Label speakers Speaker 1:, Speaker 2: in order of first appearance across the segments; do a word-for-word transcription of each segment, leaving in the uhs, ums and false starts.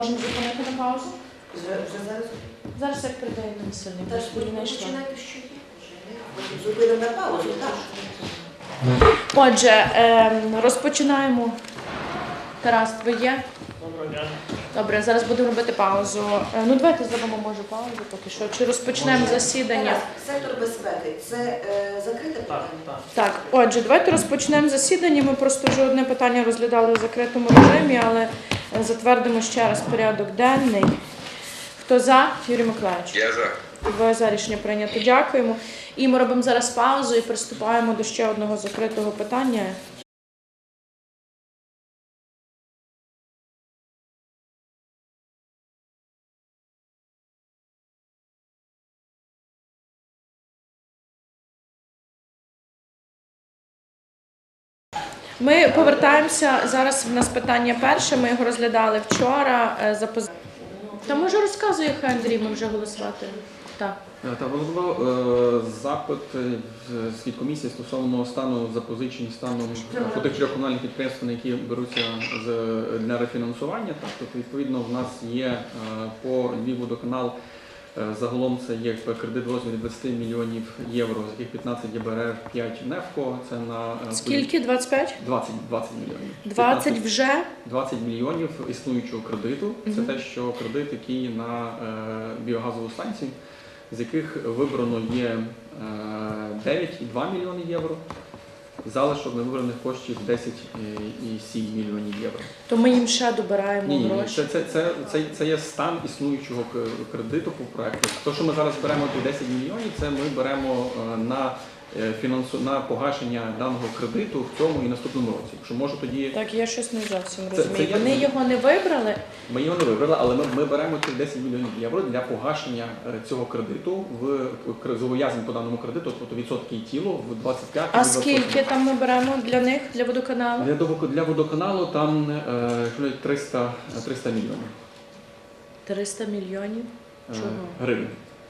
Speaker 1: Можемо зупинити на паузу?
Speaker 2: Вже, вже зараз?
Speaker 1: Зараз як передає на весільний.
Speaker 2: Та ж ви
Speaker 1: не йшла.
Speaker 2: починайте, що є. Потім зупинимо на паузу, так.
Speaker 1: Отже, ем, розпочинаємо. Тарас, ви є?
Speaker 3: Доброго дня.
Speaker 1: Добре, зараз будемо робити паузу. Е, Ну, давайте зробимо, може, паузу поки що. Чи розпочнемо засідання?
Speaker 2: Тарас, сектор безпеки – це е, закрите
Speaker 3: Так,
Speaker 2: питання?
Speaker 3: так.
Speaker 1: Так, отже, давайте розпочнемо засідання. Ми просто вже одне питання розглядали в закритому режимі, але е, затвердимо ще раз порядок денний. Хто за? Юрій Миколаївич.
Speaker 4: Я за.
Speaker 1: Двоє за, рішення прийнято. Дякуємо. І ми робимо зараз паузу і приступаємо до ще одного закритого питання. Ми повертаємося, зараз в нас питання перше, ми його розглядали вчора. е, за поз- Та може розказує хай Андрій, ми вже голосувати. Так.
Speaker 5: Та головно запит е, від комісії стосовно стану запозичень станом по тих трьох комунальних підприємств, на які беруться з для рефінансування. Так, тобто, відповідно, в нас є е, по Львівводоканал. Е, Загалом це є кредит в розмірі двадцять мільйонів євро, з яких п'ятнадцять є Б Р Р, п'ять НЕФКО. Це на е,
Speaker 1: Скільки? двадцять п'ять?
Speaker 5: двадцять, двадцять мільйонів.
Speaker 1: двадцять
Speaker 5: п'ятнадцять
Speaker 1: вже?
Speaker 5: двадцять мільйонів існуючого кредиту. Це
Speaker 1: Мгм.
Speaker 5: те, що кредит, який на е, біогазову станцію, з яких вибрано є е, дев'ять і два мільйони євро, залишок невибраних коштів десять і сім мільйонів євро.
Speaker 1: То ми їм ще добираємо
Speaker 5: Ні, ні, ні.
Speaker 1: гроші.
Speaker 5: Це, це, це, це, це є стан існуючого к- кредиту по проекту. Те, що ми зараз беремо ті десять мільйонів, це ми беремо е, на е, фінансу на погашення даного кредиту в цьому і наступному році. Якщо може тоді.
Speaker 1: Так, я щось не зовсім
Speaker 5: Це-
Speaker 1: розумію.
Speaker 5: це є-
Speaker 1: Вони його не вибрали.
Speaker 5: Ми його не вибрали, але ми, ми беремо ці десять мільйонів євро для погашення е, цього кредиту в в зобов'язань по даному кредиту, тобто відсотки і тіло в двадцять п'ять.
Speaker 1: А скільки там ми беремо для них, для водоканалу?
Speaker 5: Для, довго- для водоканалу там е, триста, триста мільйонів
Speaker 1: триста мільйонів.
Speaker 5: е,
Speaker 1: Чого?
Speaker 5: гривень.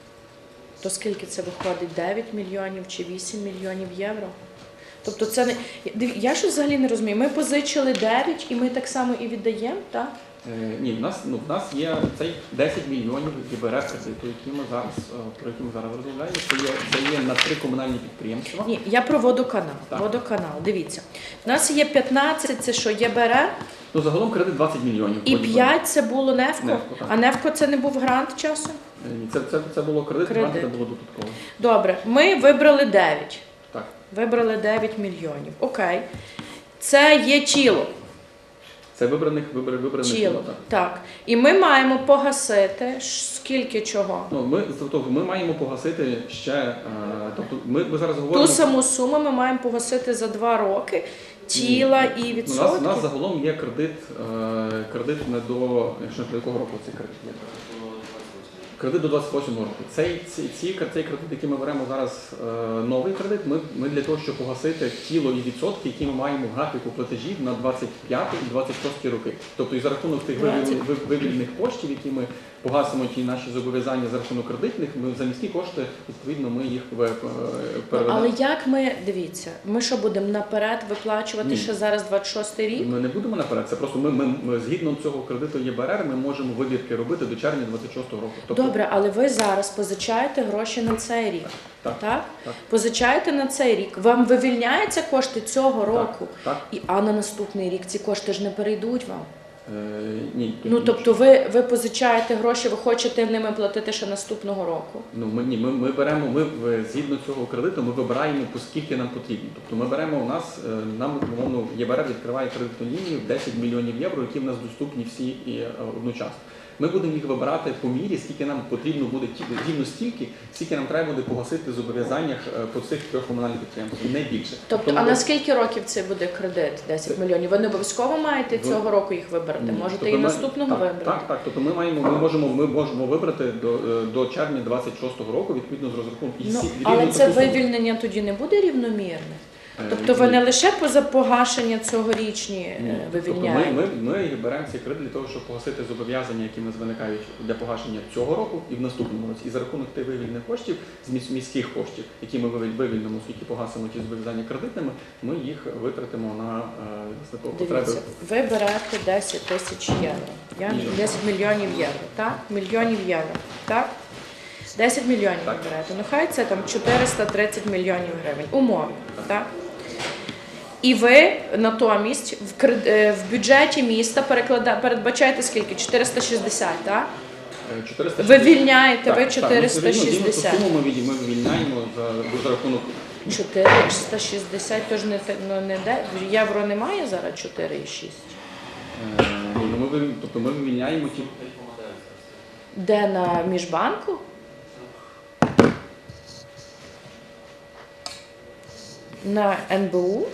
Speaker 1: То скільки це виходить? дев'ять мільйонів чи вісім мільйонів євро? Тобто це не... Диві- Я щось взагалі не розумію. Ми позичили дев'ять і ми так само і віддаємо, так?
Speaker 5: Е, ні, в нас, ну, в нас є цей десять мільйонів ЄБРР кредиту, які ми зараз, е, про які ми зараз розмовляємо. Це є, це є на три комунальні підприємства.
Speaker 1: Ні, я про водоканал.
Speaker 5: Так.
Speaker 1: Водоканал, дивіться. У нас є п'ятнадцять, це що, є Б Р Р?
Speaker 5: Ну, загалом кредит двадцять мільйонів.
Speaker 1: І п'ять це було НЕФКО?
Speaker 5: НЕФКО, так.
Speaker 1: А НЕФКО це не був грант часу?
Speaker 5: Е, ні, Це, це, це було кредит,
Speaker 1: Кредит.
Speaker 5: грант, це було додатково.
Speaker 1: Добре, ми вибрали дев'ять.
Speaker 5: Так.
Speaker 1: Вибрали дев'ять мільйонів. Окей. Це є тіло.
Speaker 5: Це вибраних, вибраних, вибраних
Speaker 1: Тіло.
Speaker 5: тіло, так.
Speaker 1: Так. І ми маємо погасити ш- скільки чого?
Speaker 5: Ну, ми, тобто, ми маємо погасити ще, е, тобто ми, ми зараз говоримо...
Speaker 1: Ту саму суму ми маємо погасити за два роки тіла і
Speaker 5: Ну, у нас,
Speaker 1: відсотки.
Speaker 5: у нас загалом є кредит, е, кредит не до, якщо не до якого року цей кредит є? Кредит до двадцять восьмого року. Цей, ці, ці, цей кредит, який ми беремо зараз, е, новий кредит, ми, ми для того, щоб погасити тіло і відсотки, які ми маємо в графіку платежів на двадцять п'ятий і двадцять шостий роки. Тобто і за рахунок тих вивільних- вив- вивільних коштів, які ми погасимо ті наші зобов'язання за рахунок кредитних, ми за міські кошти, відповідно, ми їх е,
Speaker 1: Ну,
Speaker 5: переведемо.
Speaker 1: але як ми, дивіться, ми що будемо наперед виплачувати
Speaker 5: Ні.
Speaker 1: ще зараз двадцять шостий рік?
Speaker 5: Ми не будемо наперед. Це просто ми, ми, ми згідно цього кредиту ЄБРР ми можемо вибірки робити до червня двадцять шостого року. Тобто,
Speaker 1: Добре, але ви зараз позичаєте гроші на цей рік.
Speaker 5: Так,
Speaker 1: Так?
Speaker 5: так.
Speaker 1: Позичаєте на цей рік. Вам вивільняються кошти цього року,
Speaker 5: Так.
Speaker 1: і а на наступний рік ці кошти ж не перейдуть вам.
Speaker 5: Е, ні.
Speaker 1: Ну тобто ви, ви позичаєте гроші, ви хочете ними платити ще наступного року.
Speaker 5: Ну ми ні, ми, ми беремо. Ми в- згідно цього кредиту ми вибираємо по скільки нам потрібно. Тобто ми беремо у нас е, нам умовно ЄБРР відкриває кредитну лінію в десять мільйонів євро, які в нас доступні всі і е, одночасно. Ми будемо їх вибирати по мірі, скільки нам потрібно буде ті- рівно стільки, скільки нам треба буде погасити в зобов'язаннях е, по цих трьох комунальних підприємствах, не більше.
Speaker 1: Тобто,
Speaker 5: ми
Speaker 1: а
Speaker 5: бу-
Speaker 1: на скільки років це буде кредит? десять мільйонів. Ви не обов'язково маєте
Speaker 5: Ви-
Speaker 1: цього року їх вибрати.
Speaker 5: Ні.
Speaker 1: Можете
Speaker 5: Тобто
Speaker 1: і
Speaker 5: ми-
Speaker 1: наступного
Speaker 5: так,
Speaker 1: вибрати.
Speaker 5: Так, так. Тобто ми маємо, ми можемо, ми можемо вибрати до, е, до червня двадцять шостого року відповідно з розрахунку. І
Speaker 1: Ну,
Speaker 5: всі-
Speaker 1: але
Speaker 5: рівно
Speaker 1: це
Speaker 5: таку суму.
Speaker 1: вивільнення тоді не буде рівномірне. Тобто ви не лише поза погашення цьогорічні е,
Speaker 5: Ні. Тобто ми,
Speaker 1: вивільняєте?
Speaker 5: ми, ми беремо цей кредит для того, щоб погасити зобов'язання, які в нас виникають для погашення цього року і в наступному році. І за рахунок тих вивільних коштів, з міс- міських коштів, які ми вивіль- вивільнимо, оскільки погасимо ті зобов'язання кредитними, ми їх витратимо на е, власне, потреби.
Speaker 1: Дивіться, ви берете десять тисяч євро. Я
Speaker 5: Ні.
Speaker 1: десять мільйонів євро, так? Мільйонів євро, так? десять мільйонів
Speaker 5: Так.
Speaker 1: ви берете. Ну хай це там чотириста тридцять мільйонів гривень. Умовно, так? І ви натомість в, кред- е, в бюджеті міста переклада... передбачаєте скільки? чотириста шістдесят, так?
Speaker 5: Е, чотириста
Speaker 1: Ви
Speaker 5: шістдесят.
Speaker 1: вільняєте,
Speaker 5: Так,
Speaker 1: ви
Speaker 5: так,
Speaker 1: чотириста
Speaker 5: ну, рівно- рівно ту
Speaker 1: шістдесят.
Speaker 5: суму ми, від- ми вивільняємо за, за рахунок.
Speaker 1: чотириста шістдесят, тож не, те- ну, не де. Євро немає зараз чотири і шість.
Speaker 5: Е, ну, ми, вивіль- тобто ми вивільняємо ті.
Speaker 1: Де на міжбанку? На ен бе у?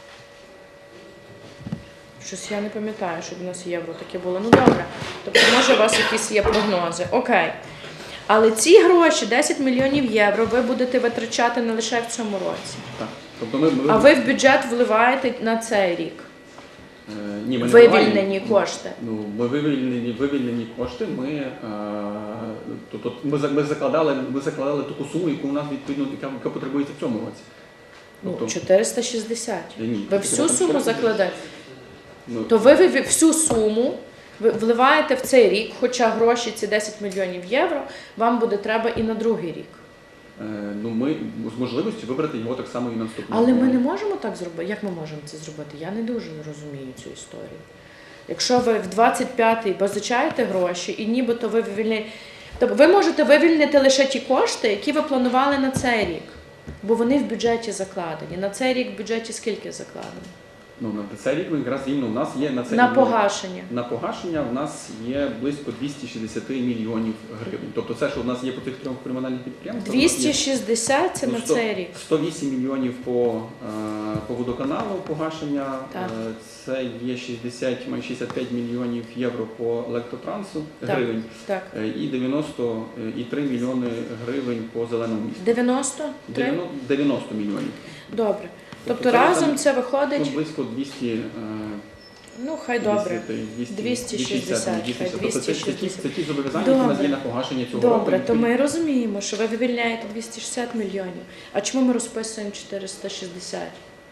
Speaker 1: Щось я не пам'ятаю, щоб у нас євро таке було. Ну добре. Тобто, може, у вас якісь є прогнози. Окей. Але ці гроші, десять мільйонів євро, ви будете витрачати не лише в цьому році.
Speaker 5: Так. Тобто ми, ми,
Speaker 1: А ви в бюджет вливаєте на цей рік.
Speaker 5: е, ні, ми не
Speaker 1: Вивільнені
Speaker 5: вливаємо.
Speaker 1: кошти.
Speaker 5: Ну, ми вивільнені, вивільнені кошти. Ми, е, тобто ми, за- ми закладали, ми закладали таку суму, яку у нас відповідно яка, яка потребується в цьому році.
Speaker 1: Ну,
Speaker 5: Тобто,
Speaker 1: чотириста шістдесят.
Speaker 5: Ні, ні,
Speaker 1: Ви
Speaker 5: там
Speaker 1: всю суму
Speaker 5: чотириста
Speaker 1: закладаєте.
Speaker 5: ну,
Speaker 1: То ви, ви всю суму ви вливаєте в цей рік, хоча гроші ці десять мільйонів євро вам буде треба і на другий рік.
Speaker 5: е, ну, ми з можливістю вибрати його так само і на наступному.
Speaker 1: Але ми
Speaker 5: році.
Speaker 1: не можемо так зробити. Як ми можемо це зробити? Я не дуже розумію цю історію. Якщо ви в двадцять п'ятий позичаєте гроші і нібито ви вивільняєте, тобто ви можете вивільнити лише ті кошти, які ви планували на цей рік, бо вони в бюджеті закладені. На цей рік в бюджеті скільки закладено?
Speaker 5: Ну, на цей рік ми якраз рівно у нас є на цей
Speaker 1: На
Speaker 5: рік-
Speaker 1: погашення.
Speaker 5: На погашення в нас є близько двісті шістдесят мільйонів гривень. Тобто це, що в нас є по тих трьох кримінальних підприємствах. у нас
Speaker 1: двісті
Speaker 5: є,
Speaker 1: шістдесят це
Speaker 5: ну,
Speaker 1: на
Speaker 5: сто-
Speaker 1: цей рік.
Speaker 5: сто вісім мільйонів по, е, по водоканалу погашення,
Speaker 1: Так.
Speaker 5: е, це є шістдесят, майже шістдесят п'ять мільйонів євро по електротрансу
Speaker 1: Так.
Speaker 5: гривень
Speaker 1: Так.
Speaker 5: е, і дев'яносто і три мільйони гривень по зеленому місту.
Speaker 1: дев'яносто три?
Speaker 5: дев'яносто дев'яносто мільйонів.
Speaker 1: Добре. Тобто
Speaker 5: це
Speaker 1: разом
Speaker 5: там,
Speaker 1: це
Speaker 5: Ну,
Speaker 1: виходить,
Speaker 5: близько двісті е,
Speaker 1: ну хай добре.
Speaker 5: двісті,
Speaker 1: двісті шістдесят,
Speaker 5: двісті
Speaker 1: хай
Speaker 5: Тобто це, це, ті,
Speaker 1: двісті шістдесят.
Speaker 5: це ті зобов'язання, які у нас
Speaker 1: Добре.
Speaker 5: є на погашення цього року.
Speaker 1: Добре, то
Speaker 5: Відповідно,
Speaker 1: ми розуміємо, що ви вивільняєте двісті шістдесят мільйонів. А чому ми розписуємо чотириста шістдесят?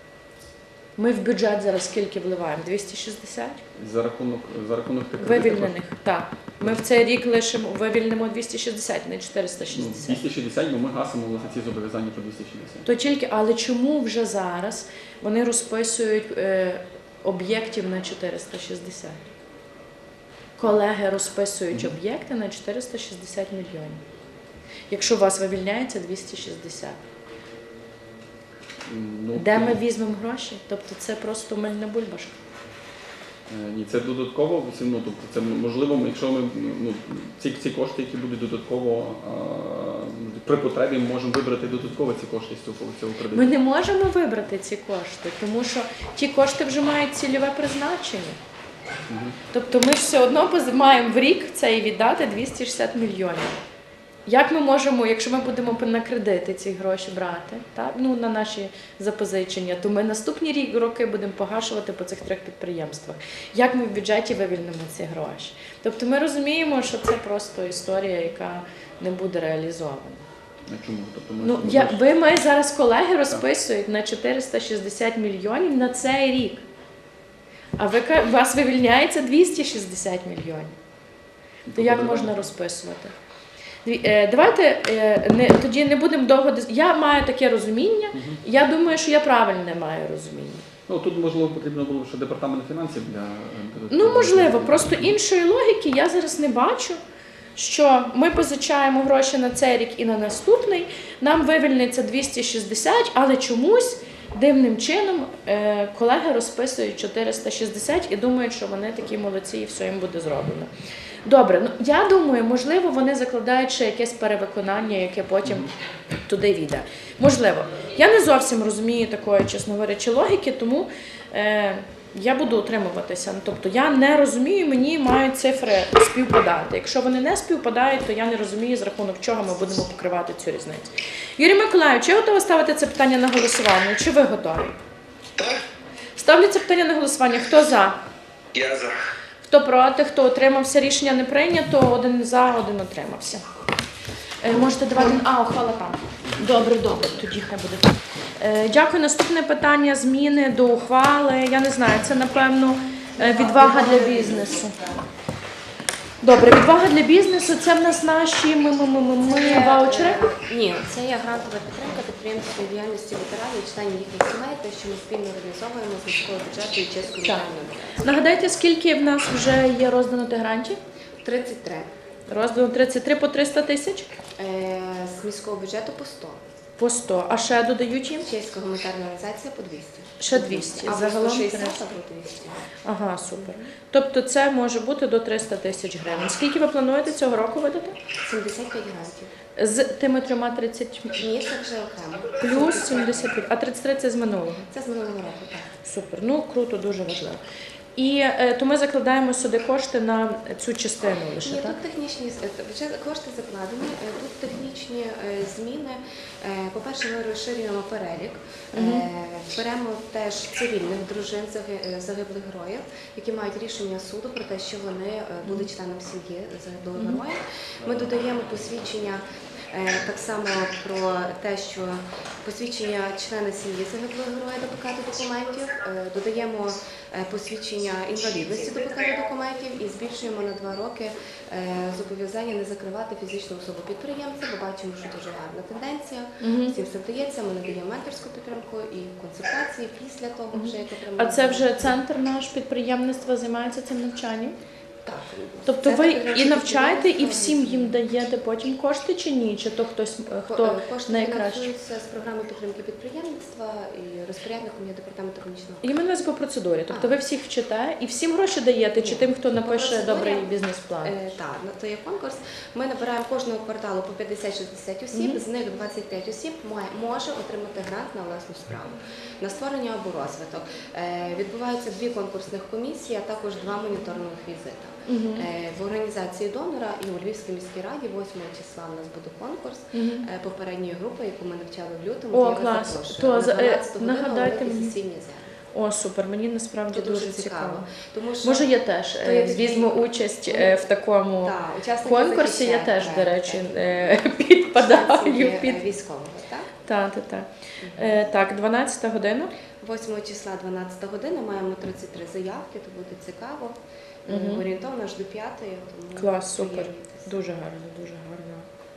Speaker 1: Ми в бюджет зараз скільки вливаємо? двісті шістдесят?
Speaker 5: За рахунок, за рахунок тих кредитів,
Speaker 1: Вивільнених, так. Ми в цей рік лишимо, вивільнимо двісті шістдесят, не чотириста
Speaker 5: ну,
Speaker 1: шістдесят.
Speaker 5: двісті шістдесят, бо ми гасимо власне ці зобов'язання по двісті шістдесят.
Speaker 1: То тільки, але чому вже зараз вони розписують е, об'єктів на чотириста шістдесят? Колеги розписують
Speaker 5: Мгм.
Speaker 1: об'єкти на чотириста шістдесят мільйонів. Якщо у вас вивільняється двісті шістдесят.
Speaker 5: Ну,
Speaker 1: Де ми візьмемо гроші? Тобто це просто мильна бульбашка.
Speaker 5: е, Ні, це додатково, це, ну, тобто це можливо, якщо ми ну, ці, ці кошти, які будуть додатково а, при потребі, ми можемо вибрати додатково ці кошти з цього, цього кредиту.
Speaker 1: Ми не можемо вибрати ці кошти, тому що ті кошти вже мають цільове призначення.
Speaker 5: Мгм.
Speaker 1: Тобто ми ж все одно поз- маємо в рік цей віддати двісті шістдесят мільйонів. Як ми можемо, якщо ми будемо на кредити ці гроші брати, так? Ну, на наші запозичення, то ми наступні рік, роки будемо погашувати по цих трьох підприємствах. Як ми в бюджеті вивільнимо ці гроші? Тобто ми розуміємо, що це просто історія, яка не буде реалізована.
Speaker 5: А чому? Тобто ми,
Speaker 1: Ну,
Speaker 5: ми
Speaker 1: я,
Speaker 5: бачимо-
Speaker 1: ви ми зараз колеги розписують на чотириста шістдесят мільйонів на цей рік. А ви ка- у вас вивільняється двісті шістдесят мільйонів. То як можна розписувати? Дві- е, Давайте е, не, тоді не будемо довго. дис- Я маю таке розуміння.
Speaker 5: Мгм.
Speaker 1: Я думаю, що я правильне маю розуміння.
Speaker 5: Ну, тут, можливо, потрібно було ще департамент фінансів для...
Speaker 1: Ну, можливо, просто іншої логіки я зараз не бачу, що ми позичаємо гроші на цей рік і на наступний, нам вивільниться двісті шістдесят, але чомусь дивним чином е, колеги розписують чотириста шістдесят і думають, що вони такі молодці і все їм буде зроблено. Добре, ну я думаю, можливо, вони закладають ще якесь перевиконання, яке потім туди війде. Можливо. Я не зовсім розумію такої, чесно говорячи, логіки, тому е, Я буду утримуватися. Ну, тобто я не розумію, мені мають цифри співпадати. Якщо вони не співпадають, то я не розумію, з рахунок чого ми будемо покривати цю різницю. Юрій Миколаївич, чи готова ставити це питання на голосування? Чи ви готові?
Speaker 3: Так,
Speaker 1: Ставлю це питання на голосування. Хто за?
Speaker 3: я за.
Speaker 1: Хто проти, хто утримався, рішення не прийнято, один за, один утримався. Е, можете давати. А, ухвала там. Добре, добре, тоді хай буде так. Е, дякую. Наступне питання зміни до ухвали. Я не знаю, це напевно е, відвага для бізнесу. Добре, відвага для бізнесу це в нас наші ми, ми, ми, ми, ми ваучери.
Speaker 4: Ні, це є грантова підтримка підприємницької діяльності ветеранів і членів їхніх сімей, те, що ми спільно організовуємо з міського бюджету і чеською
Speaker 1: Так.
Speaker 4: районною.
Speaker 1: Нагадайте, скільки в нас вже є роздано тих грантів?
Speaker 4: тридцять три.
Speaker 1: Роздано тридцять три по триста тисяч?
Speaker 4: Е, з міського бюджету по сто.
Speaker 1: По сто. А ще додають їм?
Speaker 4: Чеська гуманітарна організація по двісті.
Speaker 1: Ще двісті.
Speaker 4: Або
Speaker 1: Загалом
Speaker 4: сто шістдесят,
Speaker 1: триста.
Speaker 4: або двісті.
Speaker 1: Ага, супер. Тобто це може бути до триста тисяч гривень. Скільки ви плануєте цього року видати?
Speaker 4: сімдесят п'ять грантів.
Speaker 1: З тими трьома тридцять
Speaker 4: Ні, це вже окремо.
Speaker 1: плюс сімдесят п'ять, а тридцять три це з минулого.
Speaker 4: Це з минулого року, так.
Speaker 1: Супер. Ну, круто, дуже важливо. І е, то ми закладаємо сюди кошти на цю частину лише,
Speaker 4: Ні,
Speaker 1: так?
Speaker 4: тут технічні е, вже кошти закладені, е, тут технічні е, зміни. Е, По-перше, ми розширюємо перелік, Е, беремо теж цивільних дружин заги- е, загиблих героїв, які мають рішення суду про те, що вони е, були членом сім'ї загиблого героя. Ми додаємо посвідчення. Е, Так само про те, що посвідчення члена сім'ї загиблого героя до пакету документів, е, додаємо е, посвідчення інвалідності до пакету документів і збільшуємо на два роки е, зобов'язання не закривати фізичну особу підприємця, бо бачимо, що дуже гарна тенденція. Всім все вдається, ми надаємо менторську підтримку і консультації після того, вже як отримали.
Speaker 1: А це вже центр наш підприємництва займається цим навчанням?
Speaker 4: Так.
Speaker 1: Тобто
Speaker 4: Це
Speaker 1: ви
Speaker 4: таке
Speaker 1: і навчаєте, і
Speaker 4: підприємство.
Speaker 1: всім їм даєте потім кошти чи ні? Чи то хтось, е,
Speaker 4: Ко-
Speaker 1: хто
Speaker 4: е, Кошти
Speaker 1: найкраще?
Speaker 4: фінансуються з програми підтримки підприємництва і розпорядником є департамент економічного.
Speaker 1: І мене по процедурі. Тобто
Speaker 4: А.
Speaker 1: ви всіх вчите і всім гроші даєте, чи
Speaker 4: Ні.
Speaker 1: тим, хто
Speaker 4: По
Speaker 1: напише
Speaker 4: процедурі,
Speaker 1: добрий бізнес-план?
Speaker 4: Е, Так, ну, то є конкурс. Ми набираємо кожного кварталу по п'ятдесят-шістдесят осіб,
Speaker 1: Мгм.
Speaker 4: з них двадцять п'ять осіб має- може отримати грант на власну справу, на створення або розвиток. Е, Відбуваються дві конкурсних комісії, а також два моніторингових візита.
Speaker 1: Мгм.
Speaker 4: Е, В організації донора і у Львівській міській раді восьмого числа у нас буде конкурс
Speaker 1: Мгм.
Speaker 4: е, попередньої групи, яку ми навчали в лютому.
Speaker 1: О,
Speaker 4: то я вас
Speaker 1: клас.
Speaker 4: запрошую.
Speaker 1: То
Speaker 4: На
Speaker 1: за- е,
Speaker 4: дванадцяту годину
Speaker 1: нагадайте
Speaker 4: великі
Speaker 1: мені.
Speaker 4: сесійні зали.
Speaker 1: О, супер, мені насправді
Speaker 4: Це
Speaker 1: дуже цікаво.
Speaker 4: Тому що
Speaker 1: Може, я теж
Speaker 4: То
Speaker 1: е,
Speaker 4: є такий-
Speaker 1: візьму участь е, в такому
Speaker 4: Так, учасники
Speaker 1: конкурсі. Я
Speaker 4: захищають
Speaker 1: теж, до
Speaker 4: проект,
Speaker 1: речі,
Speaker 4: так.
Speaker 1: е, підпадаю
Speaker 4: Учасники,
Speaker 1: під
Speaker 4: е, військового, так?
Speaker 1: так, так, так. Е, так, дванадцята година.
Speaker 4: восьмого числа, дванадцята година, маємо тридцять три заявки, то буде цікаво. Е,
Speaker 1: Мгм.
Speaker 4: Орієнтовно аж до п'ятої. тому
Speaker 1: Клас, супер.
Speaker 4: приєднуйтесь.
Speaker 1: Дуже гарно, дуже гарна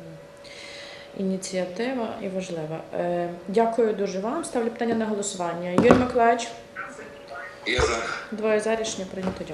Speaker 1: е, ініціатива і важлива. Е, Дякую дуже вам. Ставлю питання на голосування. Юрій Миколаївич,
Speaker 3: Я за.
Speaker 1: двоє за, рішення прийнято. Дякую.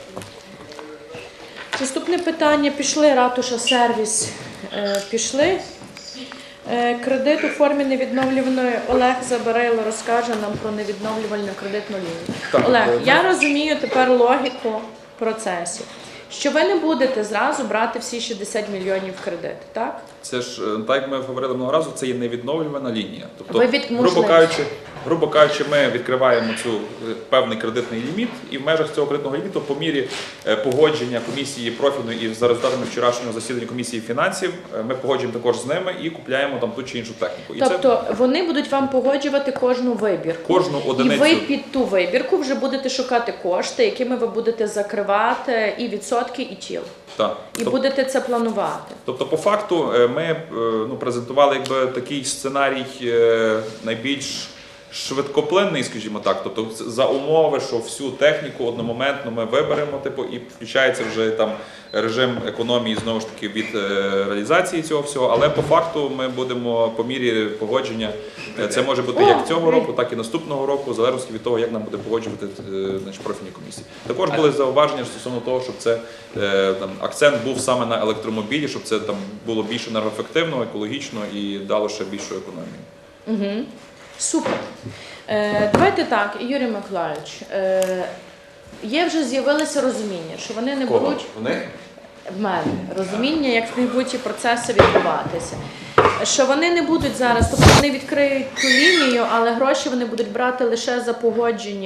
Speaker 1: Наступне питання. Пішли ратуша сервіс. Е, Пішли. Е, Кредит у формі невідновлюваної. Олег Забарайло розкаже нам про невідновлювальну кредитну лінію.
Speaker 5: Так,
Speaker 1: Олег,
Speaker 5: е,
Speaker 1: я розумію тепер логіку процесів. Що ви не будете зразу брати всі шістдесят мільйонів кредит, так?
Speaker 6: Це ж е, так, як ми говорили минулого разу, це є невідновлювана лінія. Тобто,
Speaker 1: Ви від-
Speaker 6: грубо
Speaker 1: можливо.
Speaker 6: кажучи, грубо кажучи, ми відкриваємо цю е, певний кредитний ліміт, і в межах цього кредитного ліміту, по мірі е, погодження комісії профільної і за результатами вчорашнього засідання комісії фінансів, е, ми погоджуємо також з ними і купляємо там ту чи іншу техніку. І це
Speaker 1: Тобто вони будуть вам погоджувати кожну вибірку.
Speaker 6: кожну
Speaker 1: І
Speaker 6: одиницю.
Speaker 1: ви під ту вибірку вже будете шукати кошти, якими ви будете закривати і відсотки, і тіл.
Speaker 6: Так.
Speaker 1: І
Speaker 6: Тобто-
Speaker 1: будете це планувати.
Speaker 6: Тобто, по факту, е, ми е, ну, презентували якби такий сценарій е, найбільш швидкоплинний, скажімо так. Тобто, за умови, що всю техніку одномоментно ми виберемо, типу, і включається вже там режим економії знову ж таки від е, реалізації цього всього. Але по факту ми будемо по мірі погодження. е, Це може бути
Speaker 1: О,
Speaker 6: як цього року, так і наступного року, в залежності від того, як нам буде погоджувати е, значить, профільні комісії. Також були зауваження стосовно того, щоб це е, там акцент був саме на електромобілі, щоб це там було більш енергоефективно, екологічно і дало ще більшу економію.
Speaker 1: Угу. Супер. Е, давайте так, Юрій Миколаївич, е, є вже з'явилося розуміння, що вони не беруть
Speaker 6: В них?
Speaker 1: в мене розуміння, як в них будуть ці процеси відбуватися. Що вони не будуть зараз, тобто вони відкриють ту лінію, але гроші вони будуть брати лише за погодження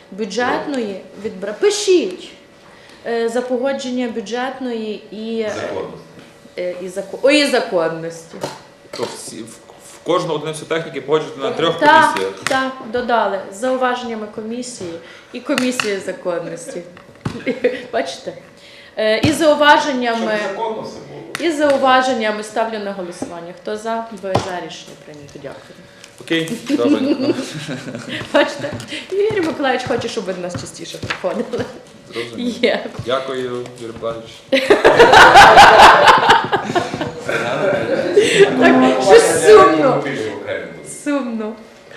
Speaker 1: бюджетної відбра... Пишіть е, за погодження бюджетної і, е, і, зако... Ой, і законності.
Speaker 6: То всі, в, в кожну одиницю техніки погоджувати на трьох
Speaker 1: Так,
Speaker 6: комісіях.
Speaker 1: так, додали з зауваженнями комісії і комісії законності. Бачите? Е, І зауваженнями,
Speaker 7: Законно все було.
Speaker 1: і зауваженнями ставлю на голосування. Хто за, двоє за, рішення прийнято. Дякую.
Speaker 6: Окей, добре.
Speaker 1: Бачите? Юрій Миколаївич хоче, щоб ви до нас частіше приходили.
Speaker 6: Зрозуміло.
Speaker 1: Є.
Speaker 6: Дякую, Юрій Миколаївич.
Speaker 1: Так, щось сумно. Сумно.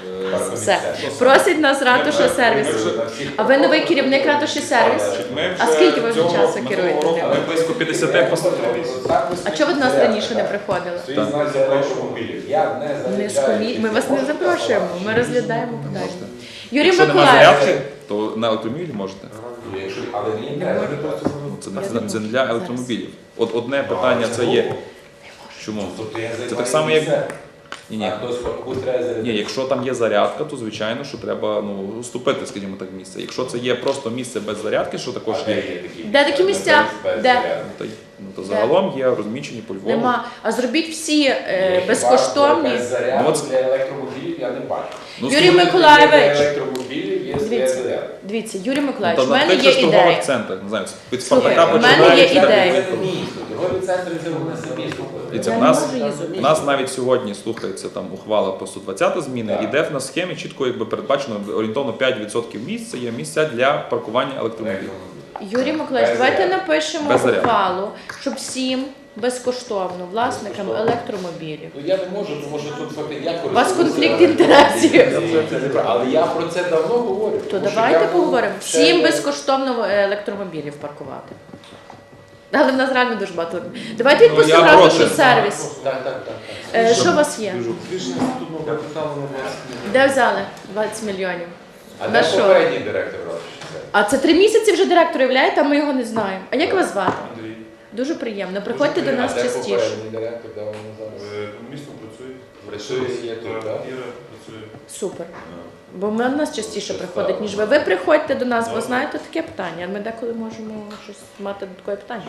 Speaker 1: Все. Просить нас ратуша сервіс. А ви новий керівник ратуші сервіс?
Speaker 6: Ми
Speaker 1: А
Speaker 6: вже
Speaker 1: скільки ви вже
Speaker 6: цього-
Speaker 1: часу
Speaker 6: минулого
Speaker 1: керуєте
Speaker 6: року
Speaker 1: ним?
Speaker 6: Ми близько п'ятдесят постановив.
Speaker 1: А чого ви до нас раніше не приходили?
Speaker 7: Стоїть знак за автомобілів. Я не
Speaker 1: Не з
Speaker 7: заїжджаю.
Speaker 1: комі... Ми вас не запрошуємо, ми розглядаємо питання. Юрій
Speaker 6: Якщо немає
Speaker 1: Миколаївич,
Speaker 6: зарядки, то на електромобілі можете.
Speaker 7: Якщо- Але мені не треба.
Speaker 6: Це, не- це не для електромобілів. От одне питання це є. Чому?
Speaker 7: Тобто я
Speaker 6: Це
Speaker 7: займаю
Speaker 6: так само, як.
Speaker 7: місце,
Speaker 6: Ні, ні.
Speaker 7: а хтось комусь треба зарядити.
Speaker 6: Ні, якщо там є зарядка, то звичайно, що треба ну, уступити, скажімо так, місце. Якщо це є просто місце без зарядки, що також
Speaker 7: А де
Speaker 6: є,
Speaker 7: є такі?
Speaker 1: Де такі місця?
Speaker 7: Без
Speaker 1: Де?
Speaker 7: зарядки.
Speaker 6: ну, то, ну, то загалом є розміщені по Львову.
Speaker 1: нема. А зробіть всі е,
Speaker 7: Хіба
Speaker 1: безкоштовні.
Speaker 7: Без зарядки
Speaker 6: Ну, от-
Speaker 7: для електромобілів я не бачу.
Speaker 6: Ну,
Speaker 1: Юрій
Speaker 6: слухайте,
Speaker 1: Миколаївич.
Speaker 7: Для електромобілів є своя
Speaker 1: Дивіться,
Speaker 7: зарядка.
Speaker 1: дивіться, Юрій
Speaker 6: Ну,
Speaker 1: Миколаївич,
Speaker 6: та
Speaker 1: в
Speaker 6: на
Speaker 1: мене
Speaker 6: тих
Speaker 1: є
Speaker 6: же ж торгових
Speaker 1: ідея.
Speaker 6: центрах, не знаю, від
Speaker 1: Слухай,
Speaker 6: Спартака
Speaker 1: в мене
Speaker 6: починаючи.
Speaker 1: є ідея.
Speaker 7: Це місто. Торгові центри це вони самі слухають.
Speaker 6: Дивіться,
Speaker 1: Я
Speaker 6: в
Speaker 1: не
Speaker 6: нас,
Speaker 1: можу їздити.
Speaker 6: в нас навіть сьогодні слухається там ухвала по сто двадцята зміни,
Speaker 7: Так.
Speaker 6: і де в нас схемі чітко якби передбачено орієнтовно п'ять відсотків місць, це є місця для паркування електромобілів.
Speaker 1: Юрій Миколаївич,
Speaker 7: Без
Speaker 1: давайте
Speaker 7: зарядки.
Speaker 1: напишемо
Speaker 6: Без зарядки.
Speaker 1: ухвалу, щоб всім безкоштовно власникам електромобілів.
Speaker 7: Ну я не можу, тому що тут факти я
Speaker 1: У вас
Speaker 7: користуюся-
Speaker 1: конфлікт інтересів.
Speaker 7: Це неправда. Але я про це давно говорю.
Speaker 1: То
Speaker 7: тому що
Speaker 1: давайте
Speaker 7: я
Speaker 1: поговоримо.
Speaker 7: ще-
Speaker 1: Всім безкоштовно електромобілів паркувати. Але в нас реально дуже багато. Давайте
Speaker 6: Ну,
Speaker 1: відпустимо
Speaker 6: я
Speaker 1: ратушу
Speaker 6: проти.
Speaker 1: сервіс.
Speaker 7: Так, так, так. так.
Speaker 1: Е, Що у вас є?
Speaker 8: Збільшення статутного капіталу на двадцять мільйонів.
Speaker 1: Де взяли двадцять мільйонів?
Speaker 7: А
Speaker 1: На
Speaker 7: де
Speaker 1: що?
Speaker 7: попередній директор Ратуші?
Speaker 1: А це три місяці вже директор являє, а ми його не знаємо. А як вас звати?
Speaker 8: Андрій,
Speaker 1: Дуже приємно. Приходьте до нас
Speaker 7: А де
Speaker 1: частіше.
Speaker 7: попередній директор, де вони зараз?
Speaker 8: е, місто працює.
Speaker 7: Працює, є тут,
Speaker 8: Так,
Speaker 7: так?
Speaker 8: Іра працює.
Speaker 1: Супер. Бо ми до нас частіше приходить, ніж ви. Ви приходьте до нас, бо знаєте таке питання. Ми деколи можемо щось мати додаткове питання.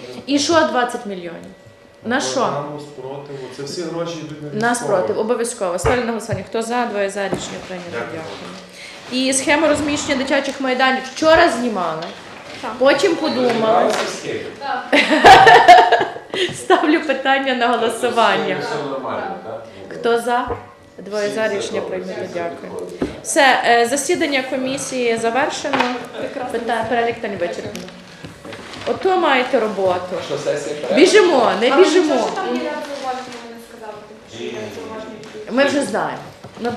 Speaker 1: І що двадцять мільйонів? На що?
Speaker 8: Програму спротиву. Це всі гроші йдуть на
Speaker 1: На
Speaker 8: військових.
Speaker 1: спротив, обов'язково. Ставлю на голосування. Хто за, двоє за, рішення прийнято.
Speaker 8: Дякую.
Speaker 1: Дякую. І схему розміщення дитячих майданів вчора знімали. Потім подумали. Ставлю питання на голосування.
Speaker 7: Все нормально, так?
Speaker 1: Хто за? Двоє за, рішення прийнято. Дякую. Все, е, засідання комісії завершено. Питання, перелік та не вичерпано. Ото маєте роботу.
Speaker 7: Що сесія перерва?
Speaker 1: Біжимо, не біжимо.
Speaker 9: Там є зауваження, вони сказали, що є зауваження.
Speaker 1: Ми вже знаємо.